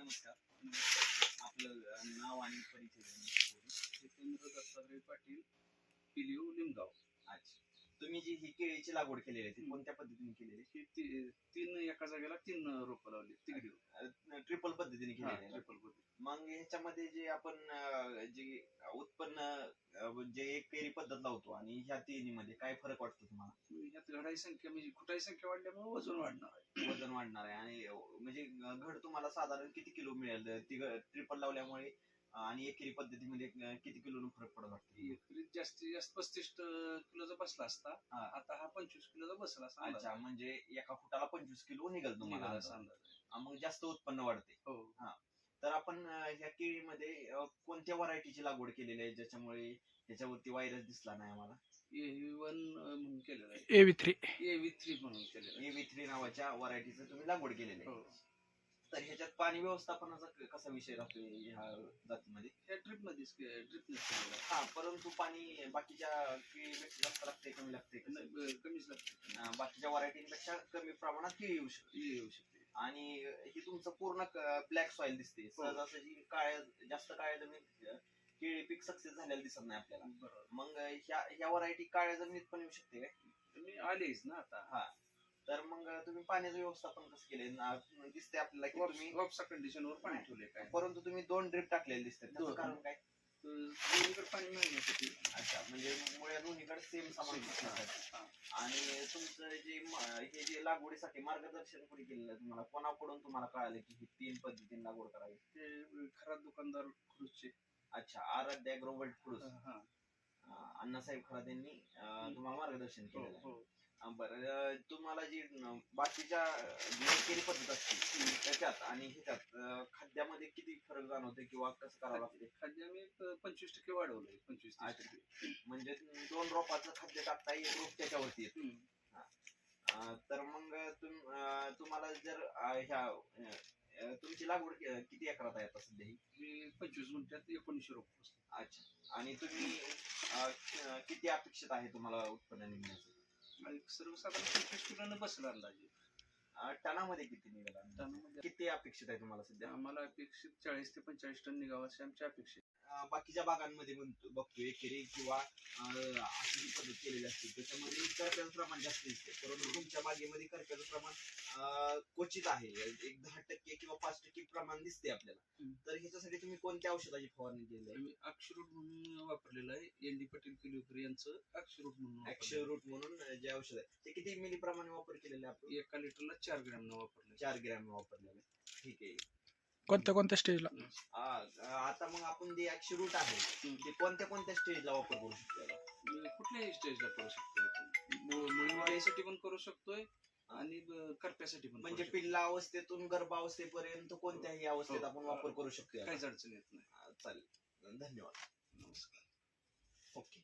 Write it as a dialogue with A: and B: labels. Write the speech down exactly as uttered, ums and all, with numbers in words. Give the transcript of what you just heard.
A: नमस्कार. आपलं अ, नाव आणि परिचय देण्यासाठी जितेंद्र दत्तात्रय पाटील, पिलिव लिमगाव. अच्छा. तुम्ही जी ही केळीची लागवड केलेली आहे ती
B: हम्म.
A: कोणत्या पद्धतीने केलेली
B: ही ती- तीन एका जागेला तीन रोपं लावली तिकडे.
A: आहे? ट्रिपल पद्धतीने केलेली आहे ना?
B: ट्रिपल पद्धती.
A: मग ह्याच्यामध्ये जे आपण अ, जे उत्पन्न अ, जे एक पेरी पद्धत लावतो आणि ह्या तिन्हीमध्ये काय फरक वाटतो तुम्हाला?
B: यात घडाई संख्या म्हणजे खुटाई संख्या वाढल्यामुळे वजन वाढणार आहे.
A: वजन वाढणार आहे आणि अ, म्हणजे घड तुम्हाला साधारण किती किलो मिळेल ती ट्रिपल लावल्यामुळे अ, आणि एकेरी पद्धतीमध्ये अ, किती किलो फरक पडत वाटतं?
B: एकरी जास्तीत जास्त पस्तीस किलोचा बसला असता.
A: हा.
B: आता हा पंचवीस किलोचा बसला असता.
A: अच्छा, म्हणजे एका फुटाला पंचवीस किलो निघेल तुम्हाला
B: निघाला
A: अंदाज.
B: असा अंदाज आहे.
A: हा, मग जास्त उत्पन्न वाढते.
B: हो.
A: हा. तर आपण अ, ह्या केळीमध्ये अ, कोणत्या व्हरायटीची लागवड केलेली आहे ज्याच्यामुळे त्याच्यावरती व्हायरस दिसला नाही आम्हाला?
B: ए वन म्हणून केलेलं आहे.
C: A V three
B: A V three म्हणून केलेलं आहे.
A: ए व्ही थ्री नावाच्या व्हरायटीचं तुम्ही लागवड केलेली आहे.
B: हो.
A: तर ह्याच्यात पाणी व्यवस्थापनाचा क- कसा विषय राहतो ह्या जातीमध्ये?
B: ह्या ट्रिप मध्येच ड्रिपनेच केलेलं आहे.
A: हा, परंतु पाणी बाकीच्या केळीपेक्षा जास्त लागते कमी लागते कसं?
B: नाही, ब- कमीच लागते.
A: अं, बाकीच्या व्हरायटीपेक्षा कमी प्रमाणात केळी येऊ शकते.
B: येऊ शकते.
A: आणि ही तुमचं पूर्ण ब्लॅक सॉइल दिसते. सहजासहजी काळ्या जास्त काळ्या जमिनीत अं, केळी पीक सक्सेस झालेलं दिसत नाही आपल्याला.
B: बरोबर.
A: मग ह्या ह्या व्हरायटी काळ्या जमिनीत पण येऊ शकते काय?
B: तुम्ही आलेच ना आता.
A: हा. तर मग तुम्ही पाण्याचं व्यवस्थापन कसं केलंय? ना- दिसते आपल्याला की तुम्ही,
B: वॉप्सा कंडिशनवर पाणी ठेवले काय.
A: परंतु तुम्ही दोन ड्रिप टाकलेले दिसतात त्याचं
B: दोन.
A: कारण काय?
B: दोन्हीकडे पाणी मिळण्यासाठी.
A: अच्छा, म्हणजे मुळे दोन्हीकडे सेम समान दिसण्यासाठी.
B: हा.
A: आणि तुमचं जे म- हे जे लागवडीसाठी मार्गदर्शन कोणी केलेलं आहे तुम्हाला? कोणाकडून तुम्हाला कळालं की ही तीन पद्धतीने लागवड करावी?
B: ते खराब दुकानदार खुर्ची.
A: अच्छा, आराध्य ॲग्रोवर्ल्ड फूड्स,
B: हा.
A: अण्णासाहेब खरात यांनी अं, तुम्हाला मार्गदर्शन
B: हो,
A: केलेलं आहे.
B: हो.
A: अं, बरं, अं, तुम्हाला जी न- बाकीच्या जी केली पद्धत असते त्याच्यात आणि ह्याच्यात अं, खाद्यामध्ये किती फरक जाणवते किंवा कसं करावं लागते?
B: खाद्य आम्ही प- पंचवीस टक्के वाढवलंय. पंचवीस तीस
A: अच्छा.
B: टक्के.
A: म्हणजे दोन रोपाचं खाद्य टाकता एक रोप त्याच्यावरती येतं.
B: हम्म.
A: अं, तर मग तुम अं, तुम्हाला जर अं, ह्या अं, तुमची लागवड कि- किती एकरात आहे आता सध्या ही?
B: मी पंचवीस गुंठ्यात एकोणीसशे रोप बसले.
A: अच्छा. आणि तुम्ही अं, कि- किती अपेक्षित आहे तुम्हाला उत्पन्न निघण्याचं?
B: आणि सर्वसाधारण पंचवीस किलोनं बसला अंदाजे.
A: अं, टनामध्ये किती निघाला?
B: टनामध्ये
A: किती अपेक्षित आहे तुम्हाला सध्या?
B: आम्हाला अपेक्षित चाळीस ते पंचेचाळीस टन निघावं अशी आमची अपेक्षा आहे.
A: अं, बाकीच्या बागांमध्ये म्हणतो बघतो एकेरी किंवा अं, अशी जी पद्धत केलेली असते त्याच्यामध्ये करप्याचं प्रमाण जास्त दिसते, परंतु तुमच्या बागेमध्ये करप्याचं प्रमाण अं, क्वचित आहे. एक दहा टक्के किंवा पाच टक्के प्रमाण दिसते आपल्याला.
B: हम्म.
A: तर ह्याच्यासाठी तुम्ही कोणत्या औषधाची फवारणी केली आहे?
B: आम्ही अक्षरूट म्हणून वापरलेलं आहे. एन डी पटेल किलोकरी यांचं अक्षरूट म्हणून
A: ऍक्शन
B: वापरलेलं
A: रूट म्हणून अं, जे औषध आहे ते किती मिली प्रमाणे वापर केलेलं आहे आपण?
B: आहे. एका लिटरला चार ग्रॅम न वापरले.
A: चार ग्रॅम वापरलेलं आहे. ठीक आहे.
C: कोणत्या कोणत्या स्टेजला?
A: अं, आता मग आपण जे ऍक्शन रूट आहे ते कोणत्या कोणत्या स्टेजला वापर करू शकतो याला?
B: कुठल्याही स्टेजला करू शकतोय आपण. मु- मुळीवाढीसाठी पण करू शकतोय आणि ब- करप्यासाठी पण
A: म्हणजे
B: करू शकतोय.
A: पिल्ला अवस्थेतून गर्भावस्थेपर्यंत कोणत्याही अवस्थेत
B: हो.
A: आपण वापर करू शकतो याला?
B: काहीच अडचण येत नाही.
A: अं, चालेल. धन्यवाद.
B: नमस्कार.
A: ओके.